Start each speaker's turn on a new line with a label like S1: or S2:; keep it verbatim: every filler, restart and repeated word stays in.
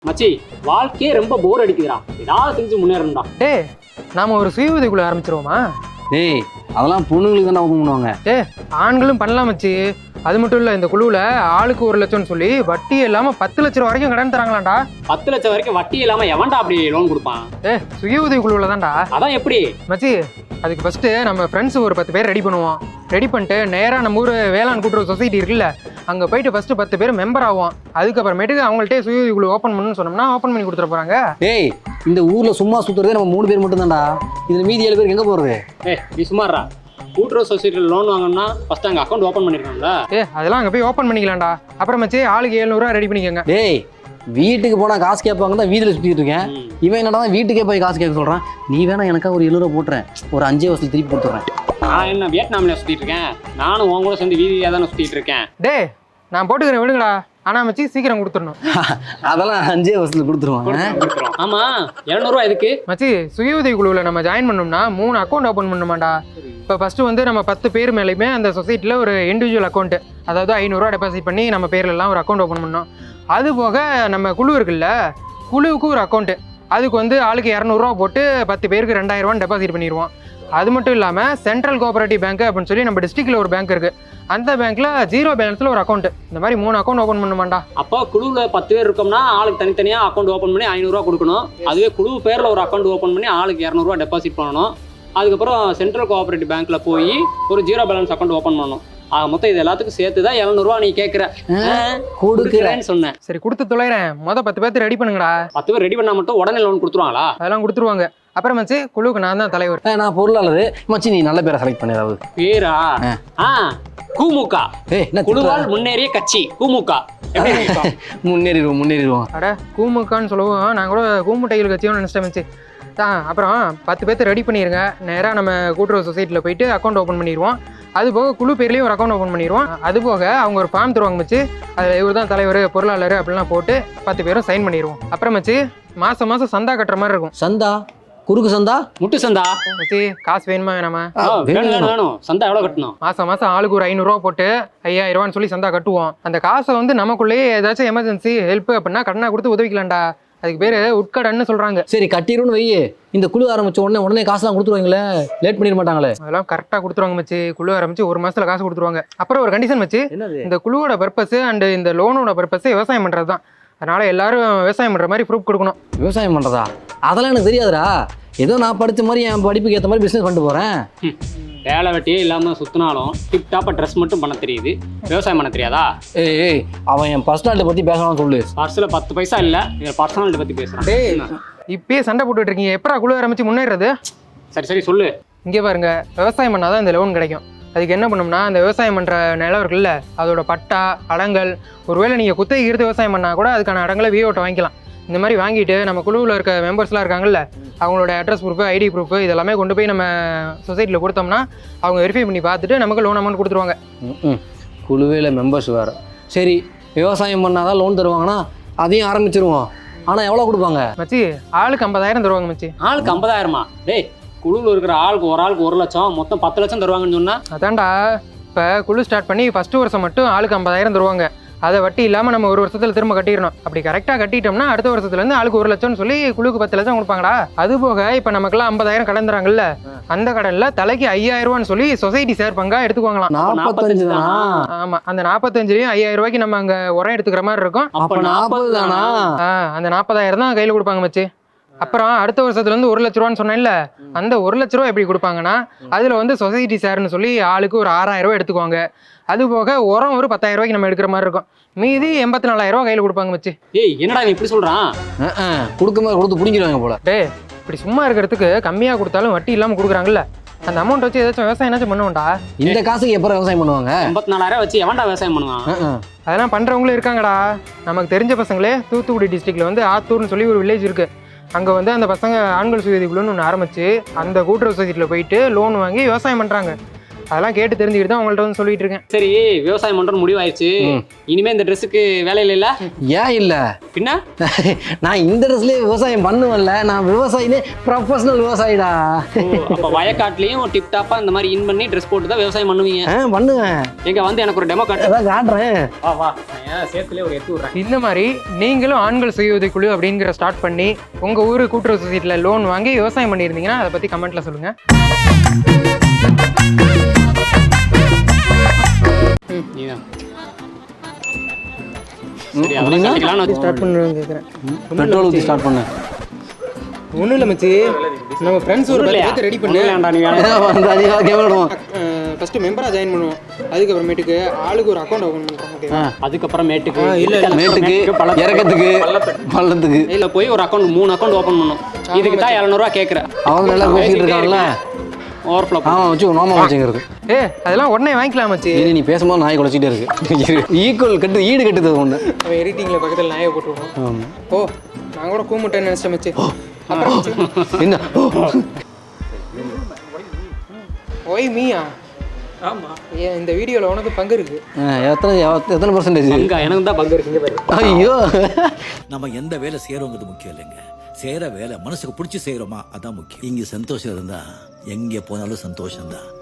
S1: மச்சி வாழ்க்கையே ரொம்ப போர் அடிக்குதுடா, ஏதாவது செஞ்சு முன்னேறணும்டா.
S2: டேய் நாம ஒரு சுய உதவிக்குள்ள ஆரம்பிச்சிருவோமா?
S3: டேய் அதெல்லாம் பொண்ணுங்களுக்கு தான் ஓப்பன் பண்ணுவாங்க.
S2: டேய் ஆண்களும் பண்ணலாம் மச்சி. அது மட்டும் இல்லை, இந்த குழுவில் ஆளுக்கு ஒரு லட்சம்னு சொல்லி வட்டி இல்லாமல் பத்து லட்சம் வரைக்கும் கடன் தராங்களாண்டா.
S1: பத்து லட்சம் வரைக்கும் வட்டி இல்லாம எவன்டா அப்படி லோன் கொடுப்பான்?
S2: ஏ சுய உதவி குழுவில் தான்டா.
S1: அதான் எப்படி
S2: மச்சி? அதுக்கு ஃபஸ்ட்டு நம்ம ஃப்ரெண்ட்ஸ் ஒரு பத்து பேர் ரெடி பண்ணுவோம். ரெடி பண்ணிட்டு நேராக நம்ம ஊர் வேளாண் கூட்டுறவு சொசைட்டி இருக்குல்ல, அங்கே போயிட்டு ஃபஸ்ட்டு பத்து பேர் மெம்பர் ஆகும். அதுக்கப்புறமேட்டுக்கு அவங்கள்ட்டே சுய உதவி குழு ஓப்பன் பண்ணணும்னு சொன்னோம்னா ஓப்பன் பண்ணி கொடுத்துட போகிறாங்க.
S3: டேய் இந்த ஊரில் சும்மா சுற்றுறதே நம்ம மூணு பேர் மட்டும் தான்டா. இதில் மீதி ஏழு பேருக்கு எங்கே போகிறது?
S1: ஏ நீ சுமாரா கூட்டுறவு சொசைட்டியில் லோன் வாங்கணும்னா ஃபர்ஸ்ட் அங்கே அக்கௌண்ட் ஓப்பன் பண்ணிருக்காங்களா?
S2: ஏ அதெல்லாம் அங்கே போய் ஓப்பன் பண்ணிக்கலாம்டா. அப்புறம் மச்சி ஆளுக்கு எழுநூறுவா ரெடி பண்ணிக்கோங்க.
S3: டேய் வீட்டுக்கு போனால் காசு கேட்பாங்க தான் வீதியில் சுற்றிட்டு இருக்கேன். இவன் என்னடா வீட்டுக்கே போய் காசு கேட்க சொல்கிறான். நீ வேணா எனக்காக ஒரு எழுநூறுவா போட்டுறேன், ஒரு அஞ்சே வருஷத்துக்கு திருப்பி கொடுத்துட்றேன்.
S1: நான் என்ன வியட்நாமில் சுற்றிட்டு இருக்கேன்? நானும் உங்களோட சேர்ந்து வீதியாக தானே சுற்றிட்டு இருக்கேன்.
S2: டே நான் போட்டுக்கிறேன் விடுங்கடா. ஆனால் மச்சி சீக்கிரம் கொடுத்துடணும்.
S3: அதெல்லாம் அஞ்சே வருஷத்துல கொடுத்துருவாங்க.
S1: ஆமா எழுநூறுவா எதுக்கு
S2: மச்சி? சுய உதவி குழுவில் நம்ம ஜாயின் பண்ணோம்னா மூணு அக்கௌண்ட் ஓப்பன் பண்ணணுமாண்டா. இப்போ ஃபஸ்ட்டு வந்து நம்ம பத்து பேர் மேலேயுமே அந்த சொசைட்டியில் ஒரு இண்டிவிஜுவல் அக்கௌண்ட்டு, அதாவது ஐநூறுரூவா டெபாசிட் பண்ணி நம்ம பேர்லலாம் ஒரு அக்கௌண்ட் ஓப்பன் பண்ணோம். அது போக நம்ம குழு இருக்குல்ல, குழுவுக்கு ஒரு அக்கௌண்ட்டு, அதுக்கு வந்து ஆளுக்கு இரநூறுவா போட்டு பத்து பேருக்கு ரெண்டாயிரரூவான்னு டெபாசிட் பண்ணிடுவோம். அது மட்டும் இல்லாமல் சென்ட்ரல் கோஆபரேட்டிவ் பேங்க் அப்படின்னு சொல்லி நம்ம டிஸ்ட்ரிக்டில் ஒரு பேங்க் இருக்குது, அந்த பேங்க்கில் ஜீரோ பேலன்ஸில் ஒரு அக்கௌண்ட். இந்த மாதிரி மூணு அக்கௌண்ட் ஓப்பன் பண்ணுமாண்டா.
S1: அப்போ குழுவில் பத்து பேர் இருக்கோம்னா ஆளுக்கு தனித்தனியாக அக்கௌண்ட் ஓப்பன் பண்ணி ஐநூறுரூவா கொடுக்கணும். அதுவே குழு பேரில் ஒரு அக்கௌண்ட் ஓப்பன் பண்ணி ஆளுக்கு இரநூறுவா டெபாசிட் பண்ணணும். அதுக்கப்புறம் சென்ட்ரல் கோஆபரேட்டிவ் பேங்க்கில் போய் ஒரு ஜீரோ பேலன்ஸ் அக்கௌண்ட் ஓப்பன் பண்ணணும். ஆக மொத்தம் இது எல்லாத்துக்கும் சேர்த்து தான் எழுநூறுவா நீ கேட்குற கொடுக்குறேன்னு சொன்னேன்.
S2: சரி கொடுத்து தொலைகிறேன். மொதல் பத்து பேர்த்து ரெடி பண்ணுங்கடா.
S1: பத்து பேர் ரெடி பண்ணால் மட்டும் உடனே லோன் கொடுத்துருவாங்களா?
S2: அதெல்லாம் கொடுத்துருவாங்க. அப்புறம் மச்சி குழுவுக்கு நான் தான் தலைவர்.
S3: நான் பொருளாளர். மச்சி நீ நல்ல பேரை செலக்ட் பண்ணி ஏதாவது
S1: பேரா? ஆ கூமுக,
S3: ஏய் என்ன
S1: குழுவால் முன்னேறிய கட்சி கூமுக.
S3: முன்னேறிடுவோம் முன்னேறிடுவோம்.
S2: அட கூமுக்கான்னு சொல்லுவோம், நான் கூட கூமுட்டைகள் கட்சியும் நினச்சிட்டேன் மச்சி. ஆ அப்புறம் பத்து பேர்த்து ரெடி பண்ணிடுங்க. நேராக நம்ம கூட்டுறவு சொசைட்டியில் போயிட்டு அக்கௌண்ட் ஓப்பன் பண்ணிடுவோம். அது போக குழு பேர்லேயும் ஒரு அக்கௌண்ட் ஓப்பன் பண்ணிடுவோம். அது போக அவங்க ஒரு ஃபார்ம் தருவாங்க மச்சி, அதில் இவர் தான் தலைவர் பொருளாளர் அப்படிலாம் போட்டு பத்து பேரும் சைன் பண்ணிடுவோம். அப்புறம் மச்சி மாதம் மாதம் சந்தா கட்டுற மாதிரி இருக்கும்.
S3: சந்தா? குறுக்கு சந்தா?
S1: முட்டு சந்தா?
S2: மச்சி காசு வேணுமா வேணாமா?
S1: வேணும் வேணும். சந்தா எவ்வளோ கட்டணும்?
S2: மாதம் மாதம் ஆளுக்கு ஒரு ஐநூறுரூவா போட்டு ஐயாயிரம் ரூபான்னு சொல்லி சந்தா கட்டுவோம். அந்த காசை வந்து நமக்குள்ளேயே ஏதாச்சும் எமர்ஜென்சி ஹெல்ப் அப்படின்னா கடனாக கொடுத்து உதவிக்கலாம்டா. அதுக்கு பேர் உட்கடன்னு சொல்கிறாங்க.
S3: சரி கட்டிடுன்னு வை. இந்த குழு ஆரம்பிச்ச உடனே உடனே காசுலாம் கொடுத்துருவாங்களே, லேட் பண்ணிட மாட்டாங்களே?
S2: அதெல்லாம் கரெக்டாக கொடுத்துருவாங்க மச்சி. குழு ஆரம்பிச்சு ஒரு மாதத்தில் காசு கொடுத்துருவாங்க. அப்புறம் ஒரு கண்டிஷன் மச்சி, இந்த குழுவோட பர்பஸ் அண்ட் இந்த லோனோட பர்பஸ் விவசாயம் பண்ணுறது தான். அதனால் எல்லாரும் விவசாயம் பண்ணுற மாதிரி ப்ரூஃப் கொடுக்கணும்.
S3: விவசாயம் பண்ணுறதா? அதெல்லாம் எனக்கு தெரியாதுடா. ஏதோ நான் படித்த மாதிரி என் படிப்புக்கு ஏற்ற மாதிரி பிஸ்னஸ் பண்ணிட்டு போகிறேன்.
S1: வேலை வெட்டியே இல்லாமல் சுற்றினாலும் டிப் டாப்பாக ட்ரெஸ் மட்டும் பண்ண தெரியுது, விவசாயம் பண்ண தெரியாதா?
S3: ஏய் ஏய் அவன் என் பர்சனாலிட்டி பற்றி பேசலாம்னு சொல்லு.
S1: பர்ஸில் பத்து பைசா இல்லை, இதில் பர்சனாலிட்டி பற்றி பேசுகிறேன்.
S2: டேய் இப்பயே சண்டை போட்டுட்டு இருக்கீங்க, எப்படா குழு ஆரம்பிச்சு முன்னேறது?
S1: சரி சரி சொல்லு.
S2: இங்கே பாருங்க, விவசாயம் பண்ணால் தான் இந்த லோன் கிடைக்கும். அதுக்கு என்ன பண்ணோம்னா, அந்த விவசாயம் பண்ணுற நிலம் இருக்குல்ல, அதோட பட்டா அடங்கல், ஒருவேளை நீங்கள் குத்தகை எடுத்து விவசாயம் பண்ணால் கூட அதுக்கான அடங்கலை விஓட்ட வாங்கிக்கலாம். இந்த மாதிரி வாங்கிட்டு நம்ம குழுவில் இருக்க மெம்பர்ஸ்லாம் இருக்காங்கல்ல, அவங்களோட அட்ரஸ் ப்ரூஃபு ஐடி ப்ரூஃபு இதெல்லாமே கொண்டு போய் நம்ம சொசைட்டியில் கொடுத்தோம்னா அவங்க வெரிஃபை பண்ணி பார்த்துட்டு நமக்கு லோன் அமௌண்ட் கொடுத்துருவாங்க.
S3: ம் குழுவில் மெம்பர்ஸ் வேறு. சரி விவசாயம் பண்ணால் தான் லோன் தருவாங்கன்னா அதையும் ஆரம்பிச்சிருவோம். ஆனால் எவ்வளோ கொடுப்பாங்க
S2: மச்சி? ஆளுக்கு ஐம்பதாயிரம் தருவாங்க மச்சி.
S1: ஆளுக்கு ஐம்பதாயிரமா? டேய் குழுவில் இருக்கிற ஆளுக்கு ஒரு ஆளுக்கு ஒரு லட்சம், மொத்தம் பத்து லட்சம் தருவாங்கன்னு சொன்னால்
S2: அதான்டா. இப்போ குழு ஸ்டார்ட் பண்ணி ஃபஸ்ட்டு வருஷம் மட்டும் ஆளுக்கு ஐம்பதாயிரம் தருவாங்க. அதை வட்டி இல்லாமல் நம்ம ஒரு வருஷத்தில் திரும்ப கட்டிடணும். அப்படி கரெக்டாக கட்டிட்டோம்னா அடுத்த வருஷத்துலேருந்து ஆளுக்கு ஒரு லட்சம்னு சொல்லி குழுக்கு பத்து லட்சம் கொடுப்பாங்கடா. அது போக இப்போ நமக்குலாம் ஐம்பதாயிரம் கடன் தராங்கல்ல, அந்த கடனில் தலைக்கு ஐயாயிரம் ரூபான்னு சொல்லி சொசைட்டி சேர் பங்காக எடுத்துக்குவாங்களாம்.
S3: நாற்பத்தஞ்சு தானா?
S2: ஆமாம், அந்த நாற்பத்தஞ்சுலையும் ஐயாயிரம் ரூபாய்க்கு நம்ம அங்கே உரம் எடுத்துக்கிற மாதிரி இருக்கும்.
S3: அப்போ நாற்பது தானா?
S2: ஆ அந்த நாற்பதாயிரம் தான் கையில் கொடுப்பாங்க மச்சி. அப்புறம் அடுத்த வருஷத்துலேருந்து ஒரு லட்ச ரூபான்னு சொன்னேன்ல, அந்த ஒரு லட்ச ரூபா எப்படி கொடுப்பாங்கன்னா, அதில் வந்து சொசைட்டி சேர்னு சொல்லி ஆளுக்கு ஒரு ஆறாயிரம் ரூபா எடுத்துக்குவாங்க. அது போக உரம் ஒரு பத்தாயிரம் ரூபாய்க்கு நம்ம எடுக்கிற மாதிரி இருக்கும். மீதி எண்பத்தி நாலாயிரம் ரூபா கையில் கொடுப்பாங்க மச்சி.
S1: ஏய் என்னடா நீ இப்படி சொல்கிறான்?
S3: கொடுக்கும்போது கொடுத்து பிடிங்கிடுவாங்க போல.
S2: டே இப்படி சும்மா இருக்கிறதுக்கு கம்மியாக கொடுத்தாலும் வட்டி இல்லாமல் கொடுக்குறாங்கல்ல, அந்த அமௌண்ட் வச்சு ஏதாச்சும் விவசாயம் ஏதாச்சும் பண்ணுவோம்டா.
S3: இந்த காசுக்கு எப்போ விவசாயம் பண்ணுவாங்க?
S1: எண்பத்தி நாலாயிரம் வச்சு எவன்டா விவசாயம் பண்ணுவான்?
S2: அதெல்லாம் பண்ணுறவங்களும் இருக்காங்கடா. நமக்கு தெரிஞ்ச பசங்களே தூத்துக்குடி டிஸ்ட்ரிக்டில் வந்து ஆத்தூர்னு சொல்லி ஒரு வில்லேஜ் இருக்குது. அங்கே வந்து அந்த பசங்க ஆண்கள் சுய உதவி குழுன்னு ஒன்று ஆரம்பித்து அந்த கூட்டுறவு சொசைட்டியில் போயிட்டு லோன் வாங்கி விவசாயம் பண்ணுறாங்க. அதெல்லாம் கேட்டு தெரிஞ்சுக்கிட்டு தான் உங்கள்ட்ட வந்து சொல்லிட்டு இருக்கேன்.
S1: சரி விவசாயம் பண்றோம்னு முடிவாயிருச்சு, இனிமே இந்த ட்ரெஸ்ஸுக்கு வேலை இல்லைல்ல?
S3: ஏன் இல்லை?
S1: பின்ன
S3: நான் இந்த ட்ரெஸ்லேயே விவசாயம் பண்ணுவேன்ல, நான் விவசாயினே ப்ரொஃபஷனல் விவசாயிடா.
S1: அப்போ வயக்காட்டுலயும் டிப் டாப்பா இந்த மாதிரி இன் பண்ணி ட்ரெஸ் போட்டு தான் விவசாயம் பண்ணுவீங்க?
S3: ஆ பண்ணுவேன்.
S1: எங்க வந்து எனக்கு ஒரு டெமோ காட்டு.
S3: அதான் காட்டுறேன்.
S1: வா வா, சேர்த்துலேயே ஒரு எட்டு விட்றேன்.
S2: இந்த மாதிரி நீங்களும் ஆண்கள் சுய உதவிக்குழு அப்படிங்கிற ஸ்டார்ட் பண்ணி உங்கள் ஊர் கூட்டுறவு சொசைட்டியில் லோன் வாங்கி விவசாயம் பண்ணியிருந்தீங்கன்னா அதை பற்றி கமெண்ட்டில் சொல்லுங்கள்.
S1: நீதான் சரி, அதெல்லாம் கட்டிக்கலாம்னு
S2: ஸ்டார்ட் பண்ணுன்னு கேட்குறேன்.
S3: பெட்ரோல் ஊற்றி ஸ்டார்ட் பண்ணேன்.
S2: ஒன்றும் இல்லை மச்சி, நம்ம ஃப்ரெண்ட்ஸ் ஒரு பத்து பேர்த்து ரெடி பண்ணு.
S1: வேண்டாம், நீ வேணாம்.
S2: ஃபஸ்ட்டு மெம்பராக ஜாயின் பண்ணுவோம், அதுக்கப்புறமேட்டுக்கு ஆளுக்கு ஒரு அக்கௌண்ட் ஓப்பன் பண்ணுறோம். ஓகேவா?
S1: அதுக்கப்புறமேட்டுக்கு
S2: இல்ல, இல்ல.
S3: மேட்டுக்கு இறக்கத்துக்கு பள்ளத்துக்கு
S1: இல்ல போய் ஒரு அக்கௌண்ட் மூணு அக்கௌண்ட் ஓப்பன் பண்ணும். இதுக்கு தான் எழுநூறுவா கேட்குறேன்.
S3: அவங்க நல்லா பேசிட்டு இருக்காங்கல்ல.
S1: ஓவர்ஃப்ளோ
S3: ஆமாம் வச்சு நோமா வச்சுங்கிறது.
S2: ஏ அதெல்லாம் உடனே வாங்கிக்கலாம் மச்சி.
S3: இனி நீ பேசும்போது நாய் குலைச்சிட்டே இருக்கு. ஈக்குவல் கட்டு ஈடு கட்டுது ஒன்று.
S2: அவன் எடிட்டிங்கில் பக்கத்தில் நாயை போட்டுருவோம். ஓ நான் கூட கூமுட்டேன்னு நினச்சேன் மச்சி. அப்புறம் மச்சி,
S3: என்ன
S2: ஒய் மீயா? ஆமாம், ஏன் இந்த வீடியோவில் உனக்கு பங்கு இருக்கு.
S3: எத்தனை எத்தனை பர்சன்டேஜ்?
S1: எனக்கு தான் பங்கு இருக்குங்க பாரு.
S3: ஐயோ,
S4: நம்ம எந்த வேலை செய்யறோங்கிறது முக்கியம் இல்லைங்க, செய்யற வேலை மனசுக்கு பிடிச்சி செய்யறோமா அதான் முக்கியம். இங்க சந்தோஷம் இருந்தா எங்க போனாலும் சந்தோஷம் தான்.